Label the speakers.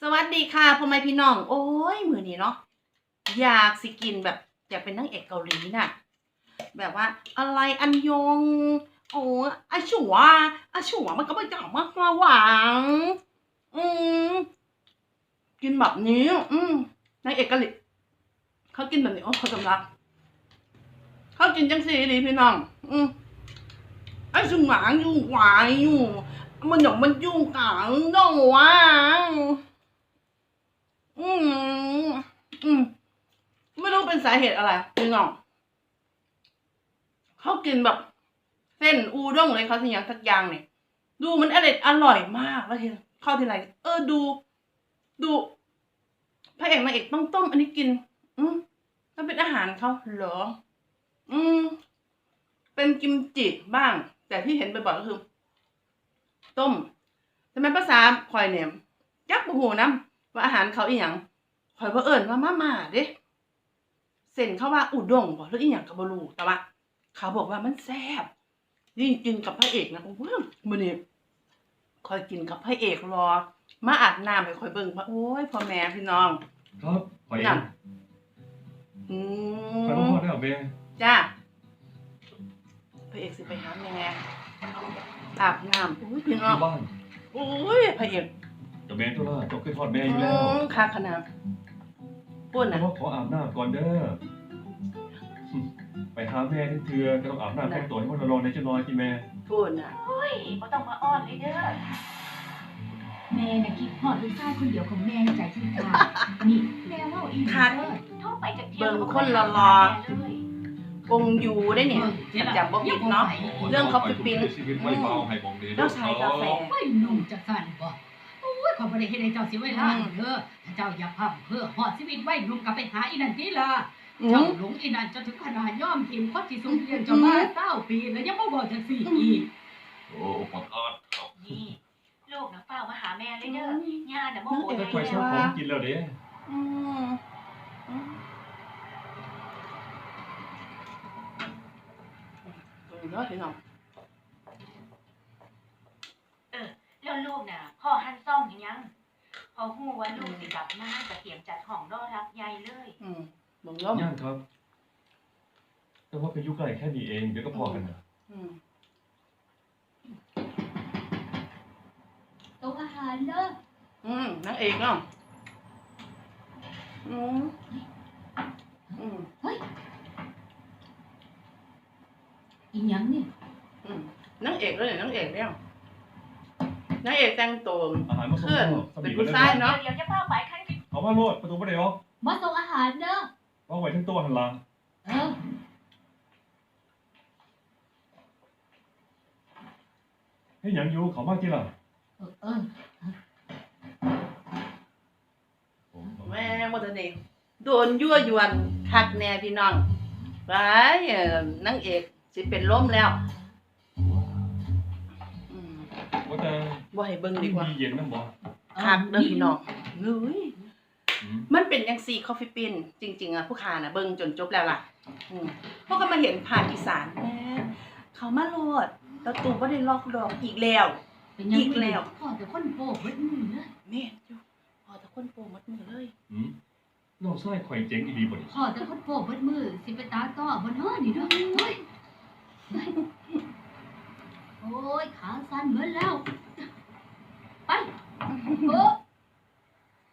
Speaker 1: สวัสดีค่ะพ่อแม่พี่น้องโอ้ยมื้อนี้เนาะอยากสิกินแบบอยากเป็นนางเอกเกาหลีน่ะแบบว่าอะไรอันยองโอ้อาชัวอาชัวมันก็ไม่จังมากมาหวังอืมกินแบบนี้นางเอกเกาหลีเขากินแบบนี้โอ้เขาสำลักเขากินจังสีดีพี่น้องไอ้สุหวานอยู่หวายอยู่มันหยองมันยุ่งกังน้องวะไม่รู้เป็นสาเหตุอะไรพี่น้องเขากินแบบเส้นอูด้งเลยเขาสิอย่างสักอย่างเนี่ยดูมันอร่อยมากแล้วทีเข้าทีไรดูพระเอกนางเอกต้องต้มอันนี้กินมันเป็นอาหารเขาเหรอเป็นกิมจิบ้าง แต่ที่เห็นบ่อยๆก็คือต้มทำไมภาษาคอยเนี่ยจักบ่ฮู้นำว่าอาหารเขาอีหยังคอยบ่เอิ้นว่ามาเด้เส้นเขาว่าอุด้งบ่หรืออีหยังก็บ่รู้แต่ว่าเขาบอกว่ามันแซ่บยิ่งกินกับพระเอกนะโอ้โหมื้อนี้คอยกินกับพระเอกรอมาอาบน้ำให้คอยเบิ่งว่าโอ้ยพ่อแม่พี่น้อง
Speaker 2: ครับขอเองขอพ่อได้หรอเบ
Speaker 1: จ้าพระเอกสิไปหาแม่อาบน้ำโอ้ยพี่น้อง
Speaker 2: บ้าน
Speaker 1: โอ้ยพระเอก
Speaker 2: จะแม่ตัวละจบขึ้นทอดแม่อยู่แล้ว
Speaker 1: ค่ะขนาดปุ่นนะ
Speaker 2: ขออาบน้ำก่อนเด้อไปหาแม่ที่เถื่อก็ต้องอาบน้ำแต่งตัวให้มันร้อนในจะนอนที่แม่
Speaker 1: ปุ่นนะ
Speaker 3: เฮ้ยไม่ต้องมาอ้อนเลยเด้อแม่น่ะคิดฮอดลูกชายคนเดียวของแม่ในใจที่ขาดนี่แม่เล่าอีกเด้อท่องไปจากเที่ยว
Speaker 1: เบิ่งคนรอคงอยู่ได้เนี่ยจากบ่ผิดเนาะเรื่องเขาไปปิ้นแล้วชายกาแฟ
Speaker 4: ไม่นุ่มจะสั่นบ่โอ้ยขอบ่ได้เฮ็ดให้เจ้าเสียเวลาเด้อถ้าเจ้าอยากพังเพื่อฮอดชีวิตไว้นุ่มก็ไปหาอีนั่นติล่ะเจ้าหลงอีนั่นจนถึงขนาดยอมทิ่มคนที่สูงเรียนเจ้ามา20ปีแล้วยังบ่บอกจังซี่อีก
Speaker 2: โอ้ขอโทษครับ
Speaker 3: นี่ลูกน่ะเฝ้ามาหาแม่เลยเด้อย่าน่ะโมโห
Speaker 2: แต่คอยชอบของกินแล้วเด้
Speaker 1: เนาะพี่น้อง
Speaker 3: แล้วลูกน่ะพ่อหั่นซ่อมยังพอฮู้ว่าลูกสิกลับมาก็เตรียมจัดห้องรอรับใหญ่เลย
Speaker 1: บ่ล้ม
Speaker 2: ย่างครับแต่ว่าเป็นยุคไกลแค่นี้เองเดี๋ยวก็พอกันนะ
Speaker 4: โต๊ะอาหารเด้
Speaker 1: นางเอกเนาะ
Speaker 4: เฮ้ยอีหยังนี่
Speaker 1: นางเอกเลยนางเอกแล้วนางเอกแต่งตัว
Speaker 2: เพื่อน
Speaker 1: เป็นผู้ชายเนาะ
Speaker 3: เดี๋ยวจะเฝ้าไปคัน
Speaker 2: เอามาโลดประตูบ่ได้หรอ
Speaker 4: มาส่งอาหารเด้อ
Speaker 2: วางไว้ทั้งตัวหันหลังให้หยังอยู่เขามากี่ล่ะ
Speaker 1: แม่บ่ทันได้โดนยั่วยวนคักแน่พี่น้องไปนางเอกสิเป็นลมแล้ว
Speaker 2: ว่าแต่
Speaker 1: บ่ให้เบิ่งดีกว่า
Speaker 2: มีเย็นนำบ่
Speaker 1: คักเด้อพี่น้องเฮ้ยมันเป็นจังซี่คอฟฟี่ปิ้นจริงๆอ่ะผู้ค้าน่ะเบิ่งจนจบแล้วล่ะพวกก็มาเห็นผ่านอีสานแม่เขามาโลดแล้วตู่บ่ได้ล็อกดอกอีกแล้ว
Speaker 4: อีกแล้วพอแต่คนโปเบิดมือนะ
Speaker 1: แม่อยู่พอแต่คนโปหมดมือเลย
Speaker 2: น้องชายข่อยเจ๋งอีหลีบ่นี่
Speaker 4: พอแต่คนโปเบิดมือสิไปตาต้อบ่เนาะนี่เด้อโอ้ยขาสั่นเบิดแล้วไป